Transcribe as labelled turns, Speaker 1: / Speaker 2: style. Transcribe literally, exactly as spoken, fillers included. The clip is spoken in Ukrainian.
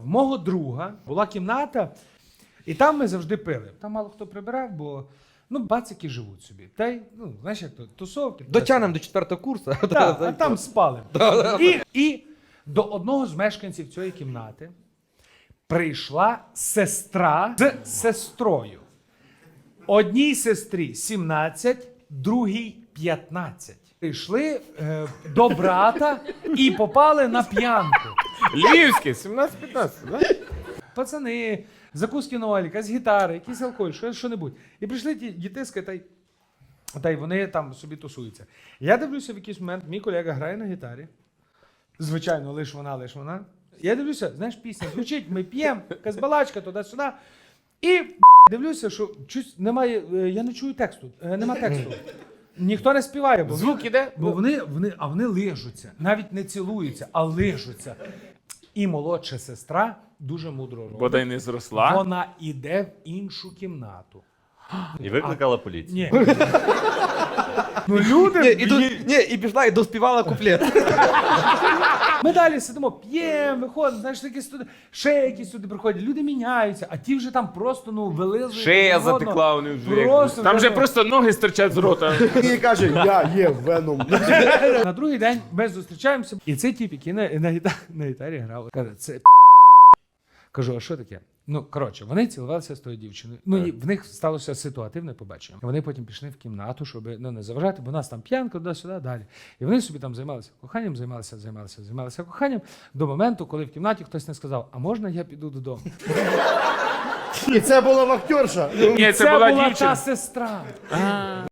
Speaker 1: в мого друга була кімната, і там ми завжди пили. Там мало хто прибирав, бо ну, бацики живуть собі. Та й, ну, знаєш, як то, тусовки.
Speaker 2: Дотянемо до четвертого курсу.
Speaker 1: Так, а там спали. І, і до одного з мешканців цієї кімнати прийшла сестра з сестрою. Одній сестрі сімнадцять, другій п'ятнадцять. Прийшли е, до брата і попали на п'янку.
Speaker 3: Львівське, сімнадцять-п'ятнадцять, да?
Speaker 1: Пацани, закуски на Олі, якась гітара, якийсь алкоголь, що, що-небудь. І прийшли ті дітиська, та й, та й вони там собі тусуються. Я дивлюся в якийсь момент, мій колега грає на гітарі. Звичайно, лиш вона, лиш вона. Я дивлюся, знаєш, пісня звучить, ми п'ємо, якась балачка туди-сюди. І дивлюся, що щось немає, е, я не чую тексту, е, нема тексту. Ніхто не співає, бо,
Speaker 3: Звук іде?
Speaker 1: бо вони, вони, а вони лижуться. Навіть не цілуються, а лижуться. І молодша сестра дуже мудро робить.
Speaker 3: Бодай не зросла.
Speaker 1: Вона іде в іншу кімнату.
Speaker 4: І викликала поліцію.
Speaker 1: Ні. Ну люди,
Speaker 2: Ні, і, до, ні, і пішла і доспівала куплет.
Speaker 1: ми далі сидимо, п'ємо, виходимо, знаєш, такі студи, ще якісь сюди приходять, люди міняються, а ті вже там просто, ну, вилизують.
Speaker 3: Шея
Speaker 1: один одного.
Speaker 3: затекла у них вже.
Speaker 1: Просто
Speaker 3: Там
Speaker 1: вже,
Speaker 3: вже
Speaker 1: ну,
Speaker 3: просто ноги стирчать з рота.
Speaker 5: І каже, я є веном.
Speaker 1: На другий день ми зустрічаємося, і цей тіп, який на, на, гітарі, на гітарі грав, каже, це кажу, а що таке? Ну, коротше, вони цілувалися з тою дівчиною. Ну, і в них сталося ситуативне побачення. Вони потім пішли в кімнату, щоб ну, не заважати, бо у нас там п'янка, туди-сюди, далі. І вони собі там займалися коханням, займалися, займалися, займалися коханням до моменту, коли в кімнаті хтось не сказав, а можна я піду додому?
Speaker 5: І це була вахтерша.
Speaker 3: Ні, це,
Speaker 1: Це
Speaker 3: була,
Speaker 1: була
Speaker 3: дівчина.
Speaker 1: та сестра.